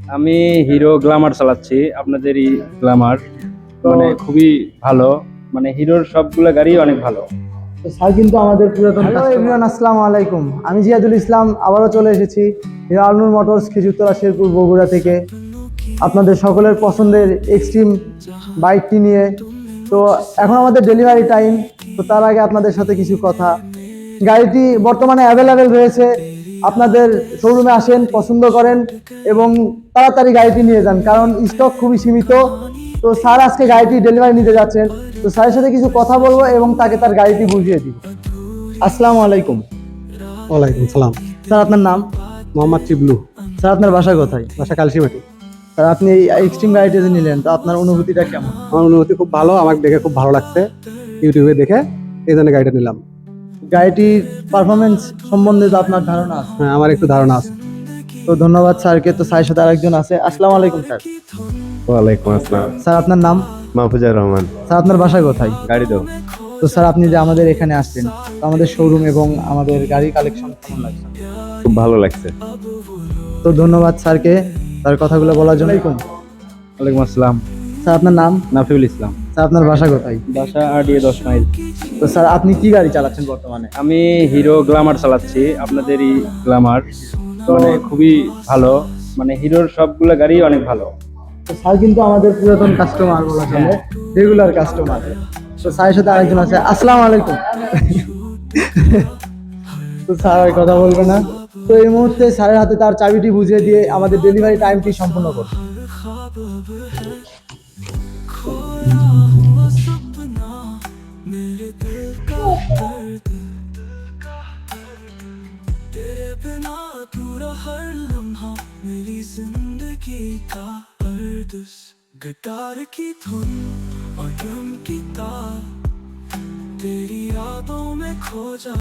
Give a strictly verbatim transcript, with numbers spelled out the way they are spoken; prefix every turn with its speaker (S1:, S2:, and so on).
S1: আমি hero Glamour চালাচ্ছি, আপনাদেরই গ্ল্যামার। মানে খুবই ভালো, মানে হিরোর সবগুলো গাড়ি অনেক ভালো।
S2: তো স্যার কিন্তু আমাদের পুরাতন হ্যালো এভরিওয়ান, আসসালামু আলাইকুম। আমি জিয়াদুল ইসলাম আবারও চলে এসেছি হিরো আলনুর মোটরস খেজুরতলা শেরপুর বগুড়া থেকে আপনাদের সকলের পছন্দের এক্সট্রিম বাইকটি নিয়ে। তো এখন আমাদের ডেলিভারি টাইম, তো তার আগে আপনাদের সাথে কিছু কথা। গাড়িটি বর্তমানে অ্যাভেলেবেল রয়েছে, আপনাদের শোরুমে আসেন, পছন্দ করেন এবং তাড়াতাড়ি গাড়িটি নিয়ে যান, কারণ স্টক খুবই সীমিত। তো স্যার আজকে গাড়িটি ডেলিভারি নিতে যাচ্ছেন, তো স্যারের সাথে কিছু কথা বলবো এবং তাকে তার গাড়িটি বুঝিয়ে দিব। আসসালামু আলাইকুম।
S3: ওয়ালাইকুম সালাম।
S2: স্যার আপনার নাম?
S3: মোহাম্মদ চিবলু।
S2: স্যার আপনার বাসা কোথায়?
S3: বাসা কালসিমাটি।
S2: স্যার আপনি এই এক্সট্রিম গাড়িটি যে নিলেন, তো আপনার অনুভূতিটা কেমন?
S3: আমার অনুভূতি খুব ভালো, আমার দেখে খুব ভালো লাগছে, ইউটিউবে দেখে এই জন্য গাড়িটা নিলাম।
S2: গাড়িটির পারফরমেন্স সম্বন্ধে তো আপনার ধারণা আছে?
S3: হ্যাঁ, আমার একটু ধারণা আছে।
S2: তো ধন্যবাদ স্যারকে। তো স্যারের সাথে আরেকজন আছে। আসসালামু আলাইকুম স্যার।
S4: ওয়ালাইকুম আসসালাম।
S2: স্যার আপনার নাম?
S4: মাহফুজার রহমান।
S2: স্যার আপনার বাসা কোথায়?
S4: গাড়ি দাও।
S2: তো স্যার আপনি যে আমাদের এখানে আসছেন, তো আমাদের শোরুম এবং আমাদের গাড়ি কালেকশন কেমন লাগছে?
S4: খুব ভালো লাগছে।
S2: তো ধন্যবাদ স্যারকে তার কথাগুলো বলার জন্য।
S1: ওয়ালাইকুম আসসালাম।
S2: স্যার আপনার নাম?
S1: নাফিউল ইসলাম।
S2: স্যার আপনার বাসা কোথায়?
S1: বাসা আড়িয়ে দশ মাইল।
S2: তো স্যার আপনি কি গাড়ি চালাচ্ছেন বর্তমানে?
S1: আমি হিরো গ্ল্যামার চালাচ্ছি, আপনাদেরই গ্ল্যামার। মানে খুবই ভালো, মানে হিরোর সবগুলো গাড়ি অনেক ভালো।
S2: তো স্যার কিন্তু আমাদের পুরাতন কাস্টমার বলা চলে, রেগুলার কাস্টমার। তো স্যারের সাথে আরেকজন আছে। আসসালামু আলাইকুম। তো স্যার আর কথা বলবে না। তো এই মুহূর্তে স্যারের হাতে তার চাবিটি বুঝিয়ে দিয়ে আমাদের ডেলিভারি টাইমটি সম্পূর্ণ করব।
S5: तेरे बिना अधूरा हर लम्हा मेरी जिंदगी का अर्दस गिटार की धुन और ड्रम की तार तेरी यादों में खो जा।